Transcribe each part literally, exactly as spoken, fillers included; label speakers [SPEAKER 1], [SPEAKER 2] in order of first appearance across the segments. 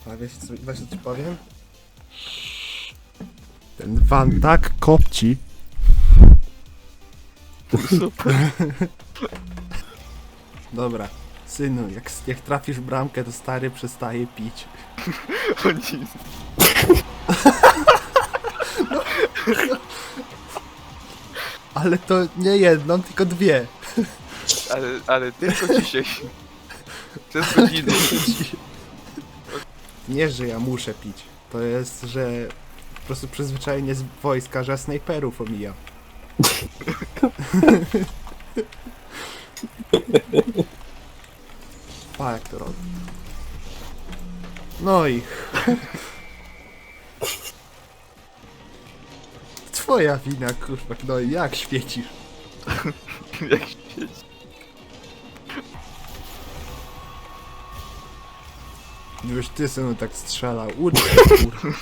[SPEAKER 1] A wiesz co, wiesz, co ci powiem? Ten van tak kopci.
[SPEAKER 2] Super.
[SPEAKER 1] Dobra, synu, jak, jak trafisz w bramkę, to stary przestaje pić.
[SPEAKER 2] Oni...
[SPEAKER 1] Ale to nie jedną, tylko dwie.
[SPEAKER 2] Ale, ale tylko dzisiaj. Przez godziny.
[SPEAKER 1] Nie, że ja muszę pić. To jest, że po prostu przyzwyczajenie z wojska, że snajperów omijam. Pa, jak to robi. No i... Twoja wina, kurwa, no i jak świecisz?
[SPEAKER 2] Jak świeci.
[SPEAKER 1] Już ty synu tak strzelał, ucz się, kurwa.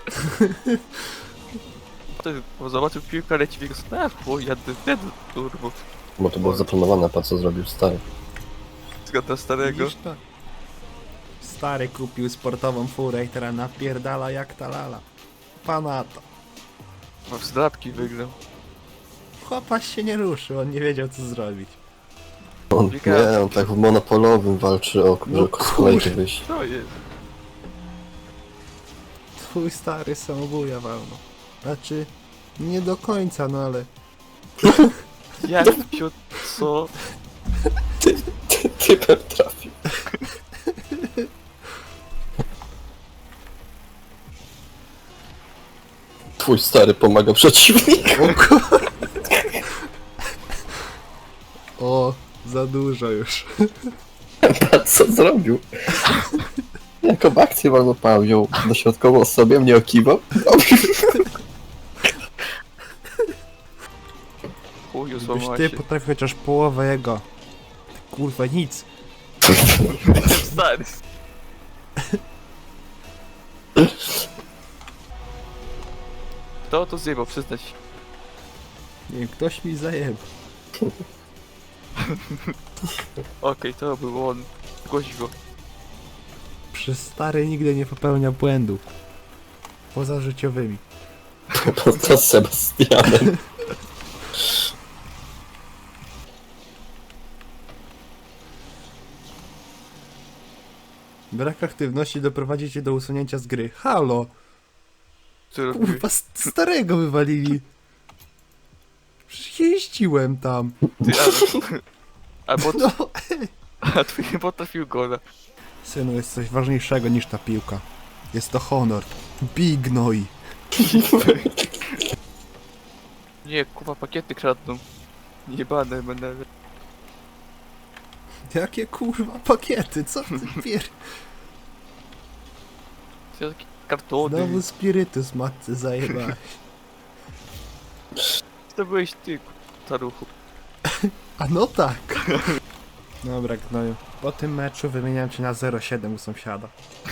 [SPEAKER 2] To zobaczył piłkę, leci w jego stronę, bo jadę wtedy, turbo.
[SPEAKER 3] Bo to było zaplanowane, pa co zrobił stary.
[SPEAKER 2] Zgadza starego.
[SPEAKER 1] Widzisz to? Stary kupił sportową furę i teraz napierdala jak ta lala. Pana to.
[SPEAKER 2] Mam zdrabki wygrał.
[SPEAKER 1] Chłopaś się nie ruszył, on nie wiedział co zrobić.
[SPEAKER 3] On, nie, on tak w monopolowym walczy o
[SPEAKER 1] No
[SPEAKER 3] no, z kolejki wyjść.
[SPEAKER 2] Co jest?
[SPEAKER 1] Twój stary samobuja walno. Znaczy, nie do końca, no ale...
[SPEAKER 2] Jak się... co?
[SPEAKER 3] Typem trafił. Twój stary pomaga przeciwnikowi.
[SPEAKER 1] O kur... O, za dużo już.
[SPEAKER 3] Patrz co zrobił. Jaką akcję wolno pamiął. Dośrodkową sobie mnie okiwał.
[SPEAKER 2] Chuju,
[SPEAKER 1] Gdybyś
[SPEAKER 2] złamała
[SPEAKER 1] ty
[SPEAKER 2] się.
[SPEAKER 1] potrafił chociaż połowę jego. Ty, kurwa, nic.
[SPEAKER 2] Stary. Kto to zjebał, przyznać się.
[SPEAKER 1] Nie wiem, ktoś mi zajebał.
[SPEAKER 2] Okej, to był on. Głoś go.
[SPEAKER 1] Przez stary nigdy nie popełnia błędów. Poza życiowymi.
[SPEAKER 3] To z Sebastianem.
[SPEAKER 1] Brak aktywności doprowadzi cię do usunięcia z gry. Halo!
[SPEAKER 2] Co robił?
[SPEAKER 1] Kurwa, st- starego wywalili. Przecież jeździłem tam.
[SPEAKER 2] Ty, ale... Albo...
[SPEAKER 1] No.
[SPEAKER 2] A twój nie potrafił gola.
[SPEAKER 1] Synu, jest coś ważniejszego niż ta piłka. Jest to honor. Bij gnoi.
[SPEAKER 2] Nie, kupa pakiety kradną. Jebane będę.
[SPEAKER 1] Jakie kurwa pakiety, co ty pier...
[SPEAKER 2] Co takie kartony.
[SPEAKER 1] Znowu spirytus matce zajebałeś.
[SPEAKER 2] To byłeś ty, staruchu.
[SPEAKER 1] A no tak. Dobra, gnoju. Po tym meczu wymieniam cię na zero siedem u sąsiada.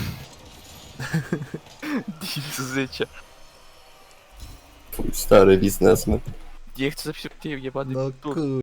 [SPEAKER 2] Z życia.
[SPEAKER 3] Twój stary biznesmen.
[SPEAKER 2] Nie chcę zapisać w tym jebany
[SPEAKER 1] No
[SPEAKER 2] tur.
[SPEAKER 1] kur...